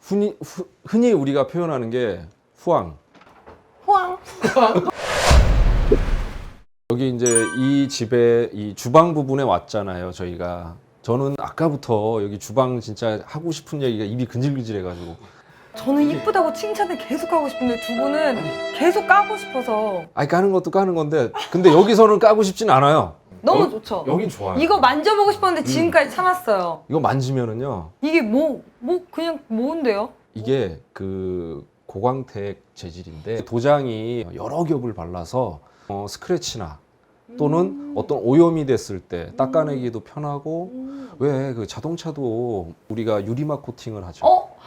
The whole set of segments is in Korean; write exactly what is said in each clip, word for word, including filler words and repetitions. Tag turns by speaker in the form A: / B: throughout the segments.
A: 흔히, 후, 흔히 우리가 표현하는 게 후황.
B: 후황.
A: 여기 이제 이 집에 이 주방 부분에 왔잖아요, 저희가. 저는 아까부터 여기 주방 진짜 하고 싶은 얘기가 입이 근질근질해가지고.
B: 저는 이쁘다고 칭찬을 계속 하고 싶은데 두 분은 계속 까고 싶어서.
A: 아니 까는 것도 까는 건데, 근데 여기서는 까고 싶진 않아요.
B: 너무
A: 여,
B: 좋죠.
A: 여긴 좋아요.
B: 이거 만져보고 싶었는데 지금까지 참았어요.
A: 이거 만지면은요.
B: 이게 뭐, 뭐 그냥 뭔데요?
A: 이게 그 고광택 재질인데 도장이 여러 겹을 발라서 어, 스크래치나 또는
B: 음.
A: 어떤 오염이 됐을 때 닦아내기도 편하고
B: 음.
A: 왜 그 자동차도 우리가 유리막 코팅을 하죠.
B: 어?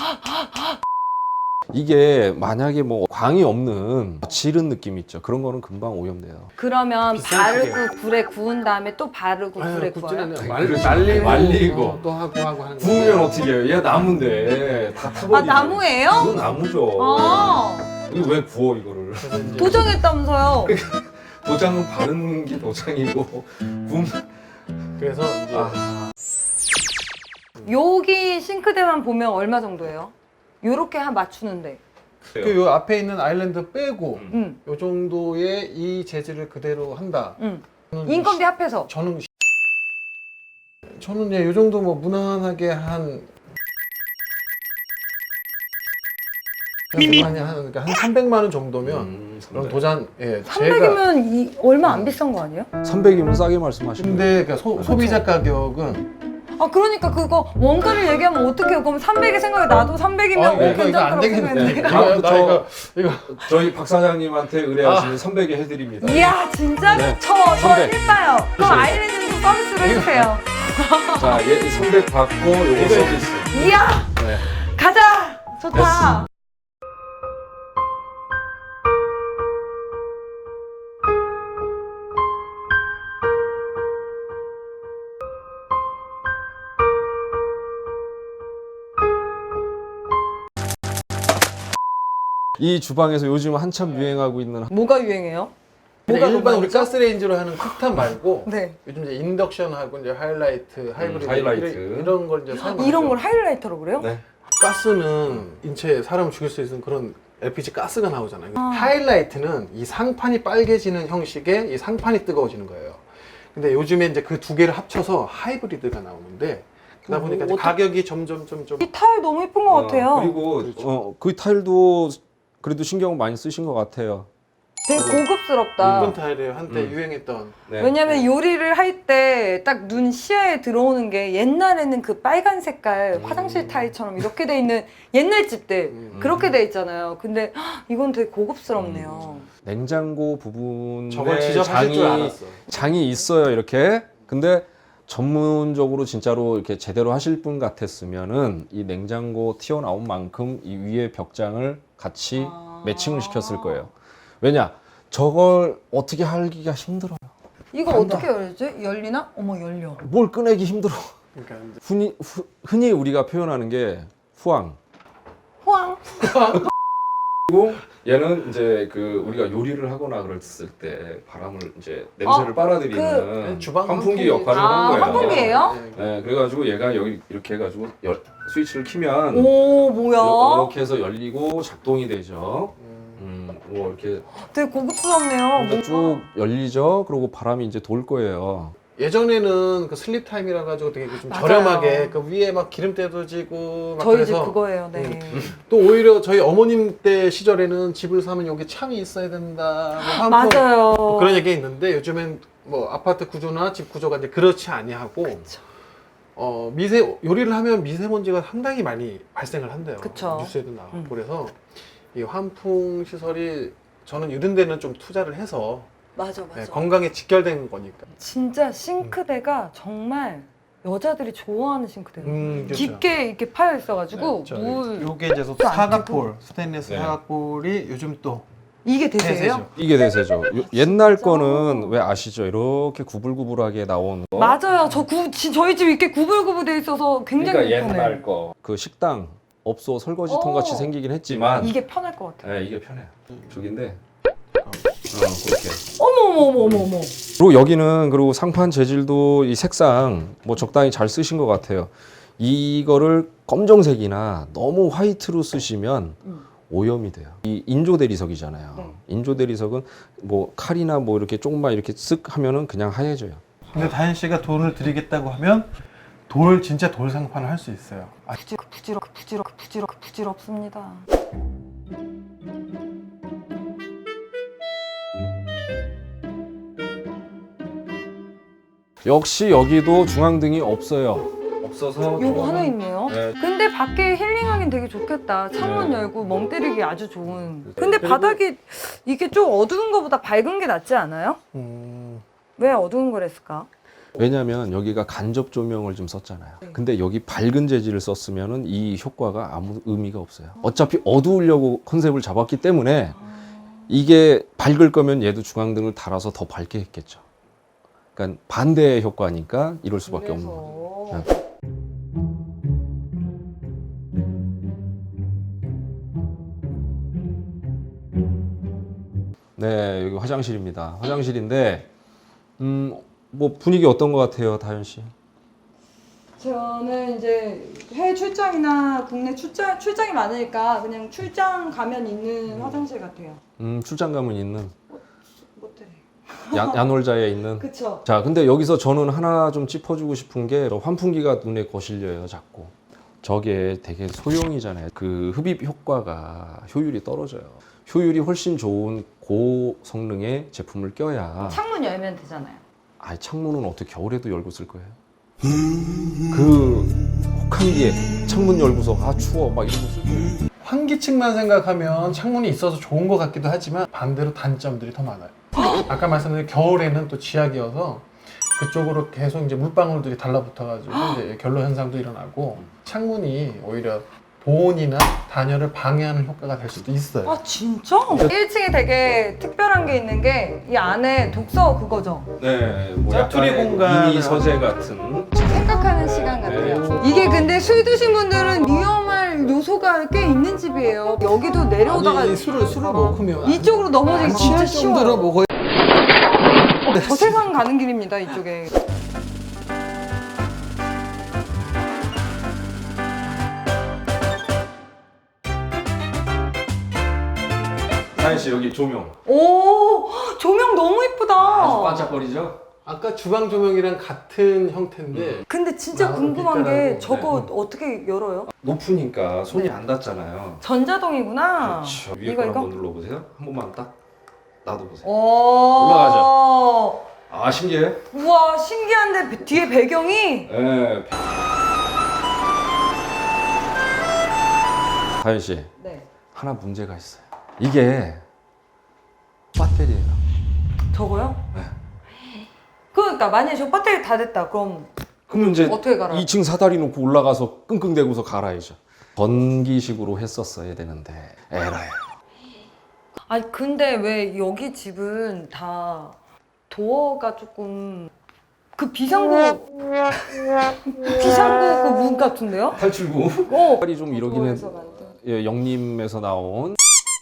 A: 이게 만약에 뭐 광이 없는 지른 느낌 있죠. 그런 거는 금방 오염돼요.
B: 그러면
C: 비싼
B: 바르고 불에 구운 다음에 또 바르고
C: 아유,
B: 불에
C: 굽지는
B: 구워요?
C: 않아요. 말,
A: 그렇죠.
C: 말리고,
A: 말리고.
C: 어, 또 하고 하고 하는
A: 구우면 어떻게 해요? 얘 나무인데 다 타버리죠.
B: 아 나무예요?
A: 이거 나무죠.
B: 아
A: 이거 왜 구워 이거를?
C: 그래서 이제
B: 도정했다면서요?
A: 도장은 바르는 게 도장이고 구우면
C: 그래서 이제
A: 아.
B: 여기 싱크대만 보면 얼마 정도예요? 요렇게 한 맞추는데.
C: 그 요 앞에 있는 아일랜드 빼고
A: 음.
B: 응,
C: 요 정도의 이 재질을 그대로 한다.
B: 응.
C: 저는
B: 인건비 합해서.
C: 저는 저는 예, 요 정도 뭐 무난하게 한 무난히 한, 그러니까 한 삼백만 원 정도면
A: 음,
C: 그럼 도장 예 제가
B: 삼백이면 이, 얼마 안 비싼 거 아니에요?
A: 삼백이면 싸게 말씀하시는 거예요.
C: 근데 그 소, 소비자 가격은
B: 아 그러니까 그거 원가를 얘기하면 어떡해요? 그럼 삼백이 생각이 나도 삼백이면
C: 아, 이거, 이거 안
B: 괜찮다고
C: 되겠네.
B: 생각했는데.
C: 이거, 나
A: 저-
C: 이거 이거
A: 저희 박 사장님한테 의뢰하시면 삼백에 해드립니다.
B: 이야 진짜?
A: 네.
B: 저, 저
A: 삼백.
B: 일봐요. 그럼 아일랜드도 서비스로 해주세요.
A: 자, 얘 삼백 받고 요거 서비스.
B: 이야
A: 네.
B: 가자! 좋다.
A: 이 주방에서 요즘 한참 유행하고 있는
B: 뭐가 유행해요?
C: 그냥
B: 뭐가
C: 일반 우리
B: 로망이죠?
C: 가스레인지로 하는 쿡탑 말고
B: 네.
C: 요즘 이제 인덕션하고 이제 하이라이트, 하이브리드
A: 하이라이트.
C: 이런, 이런 걸 이제 사용하죠.
B: 이런 걸 하이라이터로 그래요?
A: 네.
C: 가스는 인체에 사람을 죽일 수 있는 그런 엘피지 가스가 나오잖아요. 하이라이트는 이 상판이 빨개지는 형식의 이 상판이 뜨거워지는 거예요. 근데 요즘에 이제 그 두 개를 합쳐서 하이브리드가 나오는데 그러다
B: 어,
C: 보니까 이제
B: 어떡-
C: 가격이 점점 점점
B: 이 타일 너무 예쁜 것 같아요.
A: 어, 그리고
C: 그렇죠.
A: 어, 그 타일도 그래도 신경 많이 쓰신 것 같아요.
B: 되게 고급스럽다.
C: 일본 타일이에요. 한때
A: 음.
C: 유행했던.
A: 네.
B: 왜냐면 요리를 할 때 딱 눈 시야에 들어오는 게 옛날에는 그 빨간 색깔
A: 음.
B: 화장실 타일처럼 이렇게 돼 있는 옛날 집들
C: 음.
B: 그렇게 돼 있잖아요. 근데 헉, 이건 되게 고급스럽네요.
A: 냉장고 부분에
C: 저걸 지적하실 줄
A: 장이
C: 알았어.
A: 장이 있어요 이렇게. 근데 전문적으로 진짜로 이렇게 제대로 하실 분 같았으면은 이 냉장고 튀어나온 만큼 이 위에 벽장을 같이
B: 아.
A: 매칭을 시켰을 거예요. 왜냐? 저걸 어떻게 하기가 힘들어요.
B: 이거
A: 간다.
B: 어떻게 열지? 열리나? 어머 열려.
A: 뭘 꺼내기 힘들어.
C: 그러니까 이제
A: 흔히, 후, 흔히 우리가 표현하는 게 후황.
B: 호황.
A: 그리고 얘는 이제 그 우리가 요리를 하거나 그랬을 때 바람을 이제 냄새를
B: 어,
A: 빨아들이는
C: 주방
A: 환풍기
C: 환풍기.
A: 역할을
B: 아,
A: 하는 거예요.
B: 환풍기예요?
C: 네.
A: 네, 그래가지고 얘가 여기 이렇게 해가지고 열, 스위치를 키면
B: 오 뭐야?
A: 이렇게 해서 열리고 작동이 되죠.
C: 음.
A: 음, 뭐 이렇게
B: 되게 고급스럽네요.
A: 이렇게 쭉 열리죠. 그리고 바람이 이제 돌 거예요.
C: 예전에는 그 슬립 타임이라 가지고 되게 좀
B: 맞아요.
C: 저렴하게 그 위에 막 기름때도 지고 막
B: 저희 집
C: 그래서
B: 그거예요. 네.
C: 또 오히려 저희 어머님 때 시절에는 집을 사면 여기 창이 있어야 된다. 뭐 환풍
B: 맞아요.
C: 뭐 그런 얘기 있는데 요즘엔 뭐 아파트 구조나 집 구조가 이제 그렇지 아니하고
B: 그쵸.
C: 어 미세 요리를 하면 미세먼지가 상당히 많이 발생을 한대요.
B: 그쵸.
C: 뉴스에도 나오고
B: 음.
C: 그래서 이 환풍 시설이 저는 이런 데는 좀 투자를 해서
B: 맞아 맞아.
C: 네, 건강에 직결된 거니까.
B: 진짜 싱크대가 정말 여자들이 좋아하는 싱크대예요.
C: 음, 그렇죠.
B: 깊게 이렇게 파여 있어가지고
C: 네, 저
B: 물
C: 요게 이제
B: 안
C: 사각볼 스테인리스
A: 네.
C: 사각볼이 요즘 또
B: 이게 대세예요?
C: 대세죠.
A: 이게 대세죠. 요- 옛날 거는 왜 아시죠? 이렇게 구불구불하게 나온 거.
B: 맞아요. 저 구, 지- 저희 집 이렇게 구불구불 돼 있어서 굉장히
A: 그러니까
B: 편해요.
A: 옛날 거. 그 식당 업소 설거지통 같이
B: 어.
A: 생기긴 했지만
B: 이게 편할 것 같아요.
A: 네, 이게 편해요. 저긴데 어, 그렇게.
B: 어머 어머 어머 어머 어머.
A: 그리고 여기는 그리고 상판 재질도 이 색상 뭐 적당히 잘 쓰신 것 같아요. 이거를 검정색이나 너무 화이트로 쓰시면
B: 음.
A: 오염이 돼요. 이 인조 대리석이잖아요.
B: 네.
A: 인조 대리석은 뭐 칼이나 뭐 이렇게 조금만 이렇게 쓱 하면은 그냥 하얘져요.
C: 근데 다현 씨가 돈을 드리겠다고 하면 돌 진짜 돌 상판을 할 수 있어요. 아,
B: 부질, 부질어, 부질어, 부질어, 부질없습니다.
A: 역시 여기도 중앙등이 없어요. 없어서
B: 요거 하나 있네요.
A: 네.
B: 근데 밖에 힐링하긴 되게 좋겠다. 창문
A: 네.
B: 열고 멍 때리기 아주 좋은. 근데 바닥이 이게 좀 어두운 거보다 밝은 게 낫지 않아요?
C: 음,
B: 왜 어두운 걸 했을까?
A: 왜냐면 여기가 간접 조명을 좀 썼잖아요. 근데 여기 밝은 재질을 썼으면은 이 효과가 아무 의미가 없어요. 어차피 어두우려고 컨셉을 잡았기 때문에 이게 밝을 거면 얘도 중앙등을 달아서 더 밝게 했겠죠. 그러니까 반대의 효과니까 이럴 수밖에 없는 거예요. 네. 네, 여기 화장실입니다. 화장실인데, 음, 뭐 분위기 어떤 것 같아요, 다현 씨?
B: 저는 이제 해외 출장이나 국내 출장, 출장이 많으니까 그냥 출장 가면 있는 화장실 같아요.
A: 음, 출장 가면 있는
B: 모텔에.
A: 야, 야놀자에 있는.
B: 그쵸?
A: 자, 근데 여기서 저는 하나 좀 짚어주고 싶은 게 환풍기가 눈에 거실려요, 자꾸. 저게 되게 소형이잖아요. 그 흡입 효과가 효율이 떨어져요. 효율이 훨씬 좋은 고성능의 제품을 껴야.
B: 창문 열면 되잖아요.
A: 아, 창문은 어떻게 겨울에도 열고 쓸 거예요? 그 혹한기에 창문 열고서 아 추워 막 이러고 쓸 거예요.
C: 환기층만 생각하면 창문이 있어서 좋은 것 같기도 하지만 반대로 단점들이 더 많아요. 아까 말씀드린 겨울에는 또 지하기여서 그쪽으로 계속 이제 물방울들이 달라붙어가지고 이제 결로 현상도 일어나고 창문이 오히려 보온이나 단열을 방해하는 효과가 될 수도 있어요.
B: 아 진짜? 일 층에 되게 특별한 게 있는 게 이 안에 독서 그거죠?
A: 네, 뭐
C: 짜투리
A: 약간의
C: 공간을
A: 미니 서재 같은.
B: 생각하는 시간 같아요. 이게 근데 술 드신 분들은 위험할 요소가 꽤 있는 집이에요. 여기도 내려오다가
C: 아니, 술을 술을 먹으면
B: 이쪽으로 넘어지기 진짜
C: 정도로
B: 쉬워요.
C: 먹어야.
B: 저 세상 가는 길입니다, 이쪽에.
A: 다현 씨 여기 조명.
B: 오, 조명 너무 이쁘다.
A: 반짝거리죠?
C: 아까 주방 조명이랑 같은 형태인데
B: 근데 진짜
C: 나무
B: 궁금한 게
C: 빛깔하고,
B: 저거
C: 네.
B: 어떻게 열어요?
A: 높으니까 손이 안 닿잖아요.
B: 전자동이구나.
A: 그렇죠. 위에
B: 이거
A: 거
B: 이거.
A: 한번 눌러보세요. 한 번만 딱 놔둬보세요.
B: 오.
A: 올라가죠. 아 신기해.
B: 우와, 신기한데 배- 뒤에 배경이
A: 네. 다현 씨
B: 네.
A: 하나 문제가 있어요. 이게 배터리예요.
B: 저거요?
A: 네.
B: 그러니까 만약에 저 배터리 다 됐다. 그럼
A: 그러면 이제
B: 어떻게 갈아요?
A: 이 층 사다리 놓고 올라가서 끙끙대고서 갈아야죠. 전기식으로 했었어야 되는데 에라이.
B: 아니 근데 왜 여기 집은 다 도어가 조금 그 비상구 비상구 그 문 같은데요?
A: 탈출구.
B: 어.
A: 색깔이 좀 이러긴 해.
B: 도어에서 만든.
A: 예, 영림에서 나온.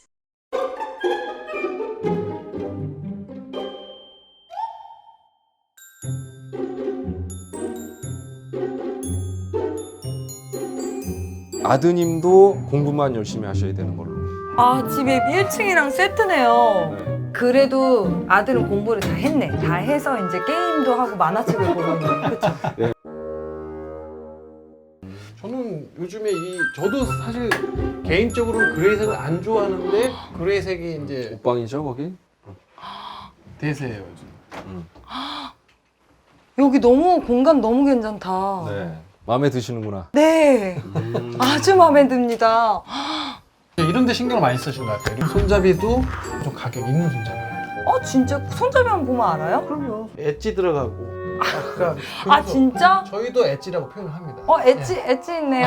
A: 아드님도 공부만 열심히 하셔야 되는 걸로.
B: 아 집이 일 층이랑 세트네요.
A: 네.
B: 그래도 아들은 공부를 다 했네. 다 해서 이제 게임도 하고 만화책을 보고 있는. 그렇죠.
C: 저는 요즘에 이 저도 사실 개인적으로는 그레이색을 안 좋아하는데 그레이색이 이제
A: 옷방이죠 거기?
C: 대세예요 요즘.
A: 음.
B: 여기 너무 공간 너무 괜찮다.
A: 네. 마음에 드시는구나.
B: 네.
A: 음.
B: 아주 마음에 듭니다.
C: 이런 데 신경을 많이 쓰신 것 같아요. 손잡이도 좀 가격 있는 손잡이예요.
B: 어 진짜 손잡이 한번 보면 알아요?
C: 그럼요. 엣지 들어가고. 아까
B: 아
C: 그래서
B: 진짜?
C: 저희도 엣지라고 표현을 합니다.
B: 어 엣지 엣지 있네요.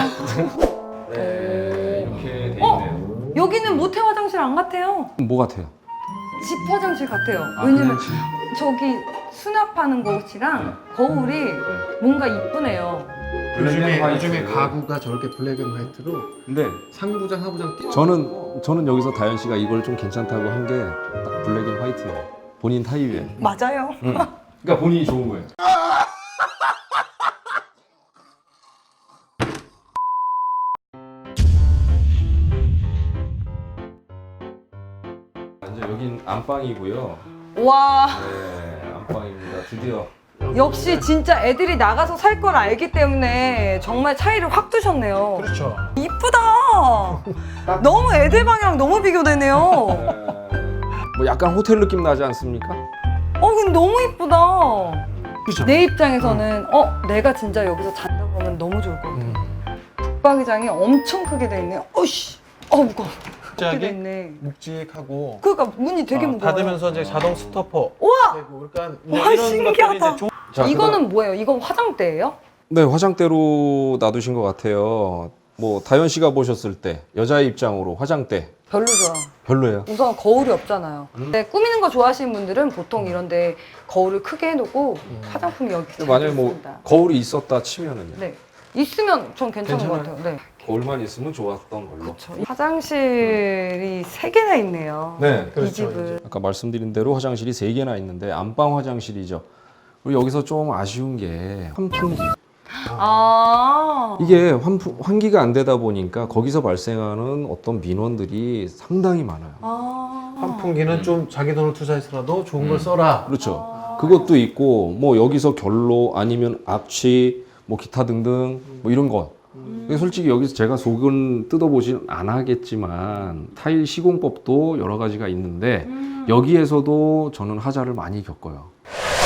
A: 네, 이렇게 돼
B: 어?
A: 있네요.
B: 여기는 모태 화장실 안 같아요.
A: 뭐 같아요?
B: 집 화장실 같아요.
A: 아,
B: 왜냐면
A: 그냥 집.
B: 저기 수납하는 곳이랑 거울이 뭔가 이쁘네요.
C: 요즘에
A: 블랙 앤
C: 요즘에
A: 화이트.
C: 가구가 저렇게 블랙 앤 화이트로
A: 근데
C: 상부장 하부장 띄.
A: 저는 저는 여기서 다현 씨가 이걸 좀 괜찮다고 한 게 딱 블랙 앤 화이트예요. 본인 타입이에요.
B: 맞아요.
A: 응. 그러니까 본인이 좋은 거예요. 여긴 안방이고요.
B: 와,
A: 네, 안방입니다. 드디어.
B: 역시 진짜 애들이 나가서 살 걸 알기 때문에 정말 차이를 확 두셨네요.
C: 그렇죠.
B: 이쁘다. 너무 애들 방이랑 너무 비교되네요.
A: 네, 뭐 약간 호텔 느낌 나지 않습니까?
B: 어, 근데 너무 이쁘다.
C: 그렇죠.
B: 내 입장에서는 어, 내가 진짜 여기서 잔다 그러면 너무 좋을 것 같아.
C: 음.
B: 붙박이장이 엄청 크게 돼 있네요. 어씨, 어 무거워. 크게 돼
C: 갑자기
B: 있네.
C: 묵직하고
B: 그러니까 문이 되게
C: 어,
B: 무거워요.
C: 닫으면서 이제 자동 스토퍼
B: 우와!
C: 되고 그러니까
B: 와,
C: 이런
B: 신기하다.
C: 것들이 이제 좀
A: 자,
B: 이거는 뭐예요? 이건 화장대예요?
A: 네, 화장대로 놔두신 것 같아요. 뭐 다현 씨가 보셨을 때 여자의 입장으로 화장대
B: 별로죠.
A: 별로예요.
B: 우선 거울이 없잖아요.
A: 음.
B: 근데 꾸미는 거 좋아하시는 분들은 보통 이런데 거울을 크게 해놓고
C: 음.
B: 화장품이 여기 잘
A: 만약에 뭐
B: 있습니다.
A: 거울이 있었다 치면은요.
B: 네, 있으면 전 괜찮은 것
A: 괜찮아요?
B: 같아요. 네,
A: 거울만 있으면 좋았던 걸로.
B: 그렇죠. 화장실이 세 개나 있네요.
A: 네,
B: 이
C: 그렇죠,
B: 집은.
A: 아까 말씀드린 대로 화장실이 세 개나 있는데 안방 화장실이죠. 그리고 여기서 좀 아쉬운 게 환풍기.
B: 아,
A: 이게 환풍, 환기가 안 되다 보니까 거기서 발생하는 어떤 민원들이 상당히 많아요.
B: 아,
C: 환풍기는 좀 자기 돈을 투자해서라도 좋은 걸
A: 음.
C: 써라.
A: 그렇죠. 그것도 있고 뭐 여기서 결로 아니면 악취 뭐 기타 등등 뭐 이런 것. 근데 솔직히 여기서 제가 속은 뜯어보진 않았겠지만 타일 시공법도 여러 가지가 있는데
B: 음.
A: 여기에서도 저는 하자를 많이 겪어요.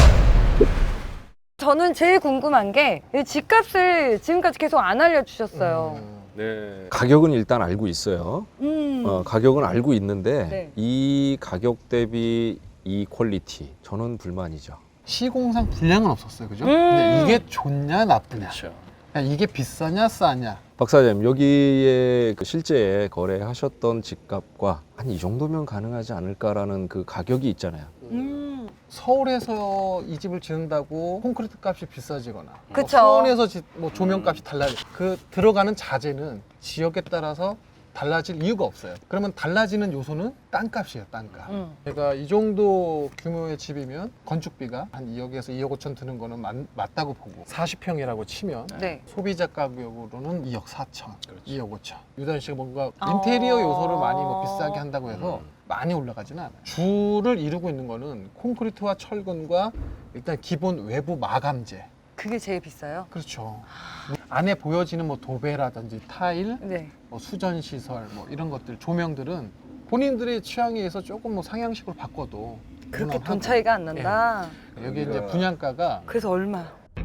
B: 저는 제일 궁금한 게 이 집값을 지금까지 계속 안 알려주셨어요.
C: 음.
A: 네. 가격은 일단 알고 있어요.
B: 음.
A: 어, 가격은 알고 있는데
B: 네.
A: 이 가격 대비 이 퀄리티 저는 불만이죠.
C: 시공상 불량은 없었어요, 그죠?
B: 음.
C: 근데 이게 좋냐 나쁘냐,
A: 그렇죠.
C: 그냥 이게 비싸냐 싸냐.
A: 박 사장님 여기에 그 실제 거래하셨던 집값과 한 이 정도면 가능하지 않을까라는 그 가격이 있잖아요.
B: 음.
C: 서울에서 이 집을 지은다고 콘크리트 값이 비싸지거나 뭐
B: 그쵸.
C: 수원에서 지- 뭐 조명 값이 달라지 그 들어가는 자재는 지역에 따라서 달라질 이유가 없어요. 그러면 달라지는 요소는 땅값이에요, 땅값.
B: 음.
C: 제가 이 정도 규모의 집이면 건축비가 한 이억에서 이억 오천 드는 거는 맞, 맞다고 보고 사십 평이라고 치면
B: 네.
C: 소비자 가격으로는 이억 사천, 이억 오천. 유단 씨가 뭔가
B: 아.
C: 인테리어 요소를 많이 뭐 비싸게 한다고 해서
A: 음.
C: 많이 올라가지는 않아요. 주를 이루고 있는 거는 콘크리트와 철근과 일단 기본 외부 마감재.
B: 그게 제일 비싸요?
C: 그렇죠. 안에 보여지는 뭐 도배라든지 타일,
B: 네.
C: 뭐 수전 시설, 뭐 이런 것들, 조명들은 본인들의 취향에 의해서 조금 뭐 상향식으로 바꿔도
B: 그렇게 돈
C: 무난하고.
B: 차이가 안 난다.
C: 여기 이제 분양가가
B: 그래서 얼마?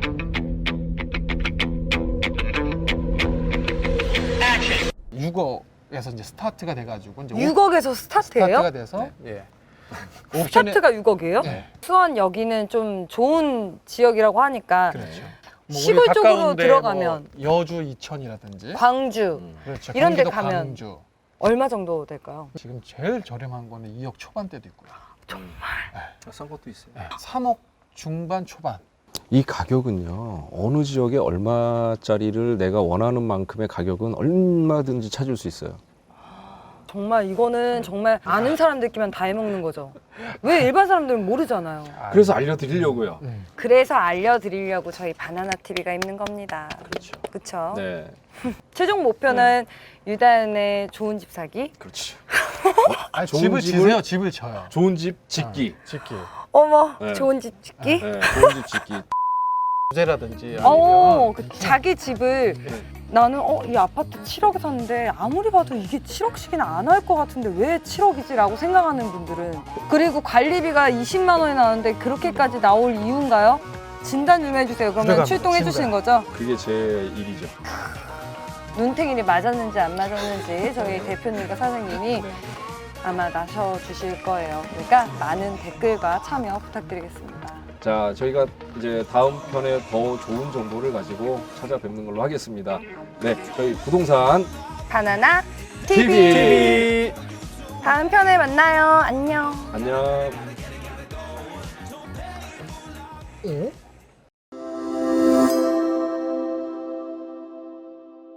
C: 육억에서 이제 스타트가 돼가지고 이제
B: 육억에서 스타트예요?
C: 스타트가 돼서 예. 옵션에
B: 스타트가 육억이에요?
C: 네.
B: 수원 여기는 좀 좋은 지역이라고 하니까
C: 그렇죠. 뭐
B: 시골
C: 우리
B: 쪽으로
C: 가까운데
B: 들어가면
C: 뭐 여주 이천이라든지
B: 광주
C: 그렇죠.
B: 이런 데
C: 경기도
B: 가면
C: 광주.
B: 얼마 정도 될까요?
C: 지금 제일 저렴한 거는 이억 초반대도 있고요.
A: 싼 것도 있어요.
C: 네. 삼억 중반 초반.
A: 이 가격은요 어느 지역에 얼마짜리를 내가 원하는 만큼의 가격은 얼마든지 찾을 수 있어요.
B: 정말 이거는 정말 아는 사람들끼만 다 해먹는 거죠. 왜 일반 사람들은 모르잖아요.
A: 그래서 알려드리려고요.
C: 음.
B: 그래서 알려드리려고 저희 바나나티비가 있는 겁니다.
A: 그렇죠.
B: 그쵸?
A: 네,
B: 최종 목표는 유단의 좋은 집 사기.
A: 그렇지.
C: 아니,
A: 좋은
C: 집을
A: 집을-
C: 지세요. 집을 져요.
A: 좋은 집 짓기.
C: 어, 짓기.
B: 어머,
A: 네.
B: 좋은 집 짓기.
A: 네, 좋은 집 짓기.
C: 부재라든지
B: 어,
C: 아니면
B: 그 자기 집을 나는 어, 이 아파트 칠억에 샀는데 아무리 봐도 이게 칠억씩이나 안 할 것 같은데 왜 칠억이지라고 생각하는 분들은 그리고 관리비가 이십만 원이 나오는데 그렇게까지 나올 이유인가요? 진단 좀 해주세요. 그러면
C: 들어갑니다.
B: 출동해
C: 진단.
B: 주시는 거죠?
A: 그게 제 일이죠.
B: 눈탱이를 맞았는지 안 맞았는지 저희 대표님과 사장님이
A: 네.
B: 아마 나셔 주실 거예요. 그러니까 많은 댓글과 참여 부탁드리겠습니다.
A: 자, 저희가 이제 다음 편에 더 좋은 정보를 가지고 찾아뵙는 걸로 하겠습니다. 네, 저희 부동산
B: 바나나
A: 티비.
B: 티비. 다음 편에 만나요. 안녕.
A: 안녕.
C: 어?